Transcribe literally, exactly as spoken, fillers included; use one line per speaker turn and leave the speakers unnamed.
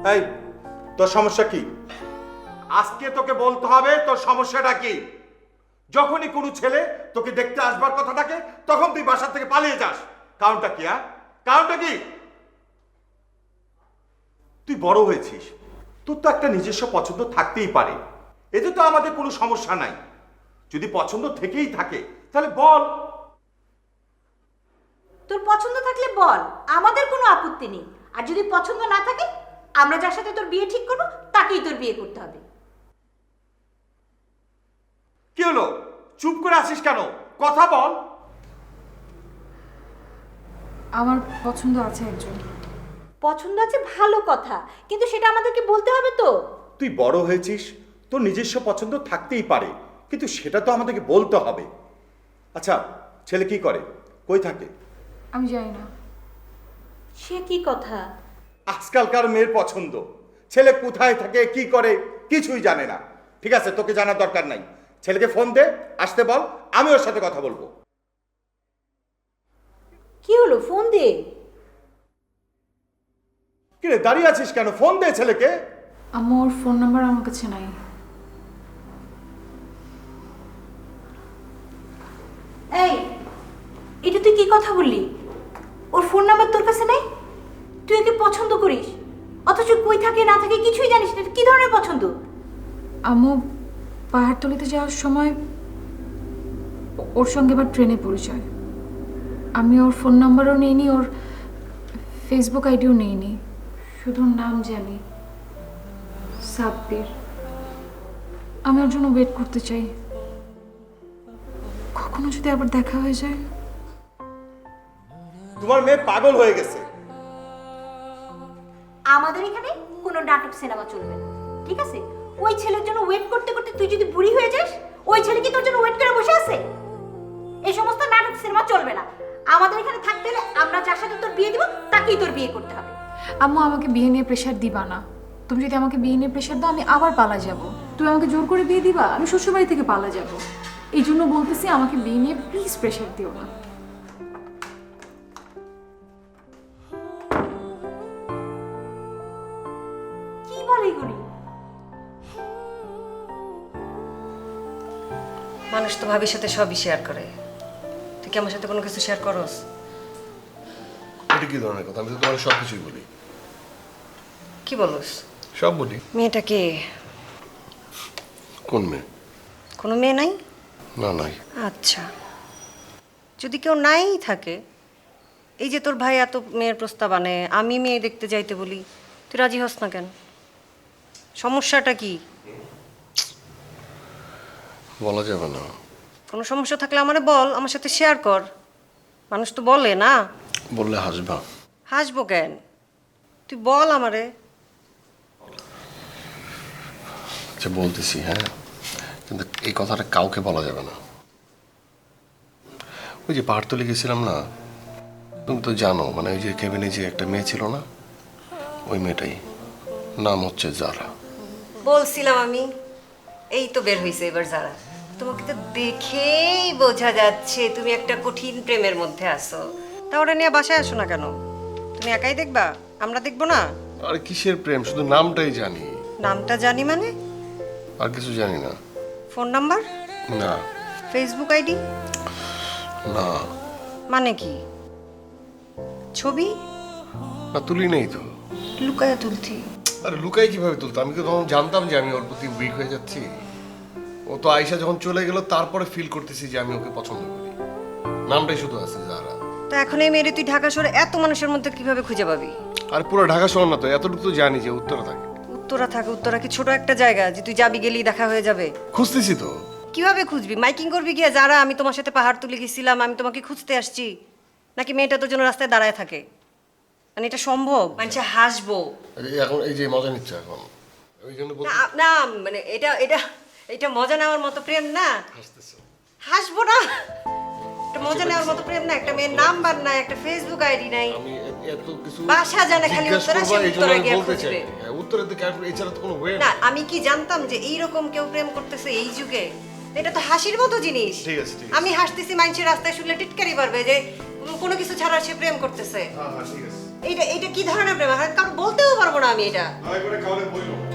এই তোর সমস্যা কি? আজকে তোকে বলতে হবে তোর সমস্যাটা কি। যখনই কোনো ছেলে তোকে দেখতে আসবার কথা থাকে তখন তুই বাসা থেকে পালিয়ে যাস। কারণটা কি? হ্যাঁ, কারণটা কি? তুই বড় হয়েছিস, তোর তো একটা নিজস্ব পছন্দ থাকতেই পারে, এতে তো আমাদের কোনো সমস্যা নাই। যদি পছন্দ থেকেই থাকে তাহলে বল।
তোর পছন্দ থাকলে বল, আমাদের কোনো আপত্তি নেই। আর যদি পছন্দ না থাকে, আমরা যার সাথে তোর বিয়ে ঠিক করবো তাকেই তোর বিয়ে করতে হবে।
কি হলো, চুপ করে আছিস কেন? কথা বল।
আমার পছন্দ আছে একজন।
পছন্দ আছে ভালো কথা, কিন্তু সেটা আমাদেরকে বলতে হবে তো।
তুই বড় হয়েছিস, তোর নিজস্ব পছন্দ থাকতেই পারে, কিন্তু সেটা তো আমাদেরকে বলতে হবে। আচ্ছা, ছেলে কি করে, কই থাকে?
আমি জানি না।
সে কি কথা?
আজকালকার মেয়ের পছন্দ, ছেলে কোথায় থাকে কি করে কিছুই জানে না। ঠিক আছে, তোকে জানার দরকার নাই। ছেলেকে ফোন দে, আসতে বল, আমি ওর সাথে কথা বলবো।
কি হলো, ফোন দে।
কিরে দাঁড়িয়ে আছিস কেন? ফোন দে ছেলেকে।
আম্মু, ওর ফোন নাম্বার আমার কাছে নাই।
এই, এটা তুই কি কথা বললি? ওর ফোন নাম্বার তোর কাছে নেই? তুই ওকে পছন্দ করিস, অথচ কই থাকে না থাকে কিছুই জানিস না। এটা কি ধরনের পছন্দ?
আম্মু, পাহাড়তলিতে যাওয়ার সময় ওর সঙ্গে আবার ট্রেনে পরিচয়। আমি ওর ফোন নাম্বারও নিইনি, ওর ফেসবুক আইডিও নিইনি, শুধু নাম জানি, সাব্বির। আমি ওর জন্য ওয়েট করতে চাই, কখনো যদি আবার দেখা হয়ে যায়।
তোমার মেয়ে পাগল হয়ে গেছে।
আমাদের এখানে কোনো নাটক সিনেমা চলবে না, ঠিক আছে? ওই ছেলের জন্য ওয়েট করতে করতে তুই যদি বুড়ি হয়ে যাস, ওই ছেলে কি তোর জন্য ওয়েট করে বসে আছে? এই সমস্ত নাটক সিনেমা চলবে না। আমাদের এখানে থাকতে হলে আমরা যার সাথে তোর বিয়ে দিব তাকেই তোর বিয়ে করতে হবে।
আম্মু, আমাকে বিয়ে নিয়ে প্রেশার দিবা না। তুমি যদি আমাকে বিয়ে নিয়ে প্রেশার দাও, আমি আবার পালা যাব। তুমি আমাকে জোর করে বিয়ে দিবা, আমি শ্বশুরবাড়ি থেকে পালা যাব। এই জন্য বলতেছি, আমাকে বিয়ে নিয়ে প্লিজ প্রেশার দিও না।
কি বলে এগুলি?
মানুষ তো ভাবির সাথে সবই শেয়ার করে, তুই কি আমার সাথে কোনো কিছু শেয়ার করস?
এটা কি ধরনের কথা? আমি তো তোমার সব কিছুই বলি।
কি বলস?
সব বলি।
মেয়েটা কে?
কোন মেয়ে?
কোনো মেয়ে নাই?
না, নাই।
আচ্ছা, যদি কেউ নাই থাকে, এই যে তোর ভাই এত মেয়ের প্রস্তাব আনে, আমি মেয়ে দেখতে যাইতে বলি, তুই রাজি হস না কেন? সমস্যাটা কি?
বলা যাবে না।
কোনো সমস্যা থাকলে আমারে বল, আমার সাথে শেয়ার কর। মানুষ তো বলে না।
বললে হাসবা।
হাসবো কেন? তুই বল আমারে।
আচ্ছা, বলতেছি, হ্যাঁ, কিন্তু এই কথাটা কাউকে বলা যাবে না। ওই যে পাহাড়তলি গেছিলাম না, তুমি তো জানো, মানে ওই যে কেবিনে যে একটা মেয়ে ছিল না, ওই মেয়েটাই, নাম হচ্ছে জারা।
বলছিলাম আমি, এই তো বের হইছে এবার যারা। তোমাকে তো দেখেই বোঝা যাচ্ছে তুমি একটা কঠিন প্রেমের মধ্যে আছো। তা ওটা নিয়ে বাসায় আসো না কেন? তুমি একাই দেখবা, আমরা দেখবো না?
আরে কিসের প্রেম, শুধু নামটাই জানি,
নামটা জানি মানে?
আর কিছু জানি না।
Phone number?
না।
Facebook ID?
না।
মানে কি? ছবি?
না, তুলি নেই তো।
লুকায়া তুলছি।
আরে লুকাই কিভাবে তুলতো? আমি তো তখন জানতাম যে আমি ওর প্রতি উইক হয়ে যাচ্ছি। ও তো আয়শা যখন চলে গেল তারপরে ফিল করতেছি যে আমি ওকে পছন্দ করি। নামটাই শুধু আছে জারা।
তা এখন এই মেয়েরে তুই ঢাকা শহরে এত মানুষের মধ্যে কিভাবে খুঁজে পাবি?
আর পুরো ঢাকা শহর না তো, এতটুকু তো জানি যে উত্তরে থাকে।
উত্তরা থাকে? উত্তরা কি ছোট একটা জায়গা যে তুই যাবি গেলেই দেখা হয়ে যাবে?
খুঁজতেছি তো।
কিভাবে খুঁজবি? মাইকিং করবি গিয়ে, যারা আমি তোমার সাথে পাহাড় তুলে গেছিলাম, আমি তোমাকে খুঁজতে আসছি? নাকি মেয়েটা তোর জন্য রাস্তায় দাঁড়ায় থাকে? মানে এটা সম্ভব? মানুষে হাসবো।
আরে এখন এই যে মজা নিচ্ছে এখন, ওই জন্য বলতে
না না, মানে এটা এটা এটা মজা নেওয়ার মতো প্রেম না।
হাসতেছো।
হাসবো না, এটা মজা নেওয়ার মতো প্রেম না। একটা মেয়ের নাম্বার নাই, একটা ফেসবুক আইডি নাই,
আমি এত কিছু
বাসা জানে খালি
জিজ্ঞেস
উত্তরা,
করবা,
সে
এই জন্য
উত্তরা
আমি
গিয়ে
বলতে চাই।
খুঁজবে।
হ্যাঁ, উত্তরের দিকে আসবে, এছাড়া তো কোনো ওয়ে
না,
না।
আমি কি জানতাম যে এইরকম কেউ প্রেম করতেছে এই যুগে? এটা তো হাসির মতো জিনিস।
ঠিক আছে, ঠিক আছে।
আমি হাসতেছি, মানুষের রাস্তায় শুনলে টিটকারি পারবে যে কোনো কিছু ছাড়া সে প্রেম করতেছে।
হ্যাঁ হ্যাঁ, ঠিক আছে।
এইটা এইটা কি ধরনের প্রেম? আর কারণ বলতেও পারবো না আমি এটা।
দয়া করে কাউকে বললো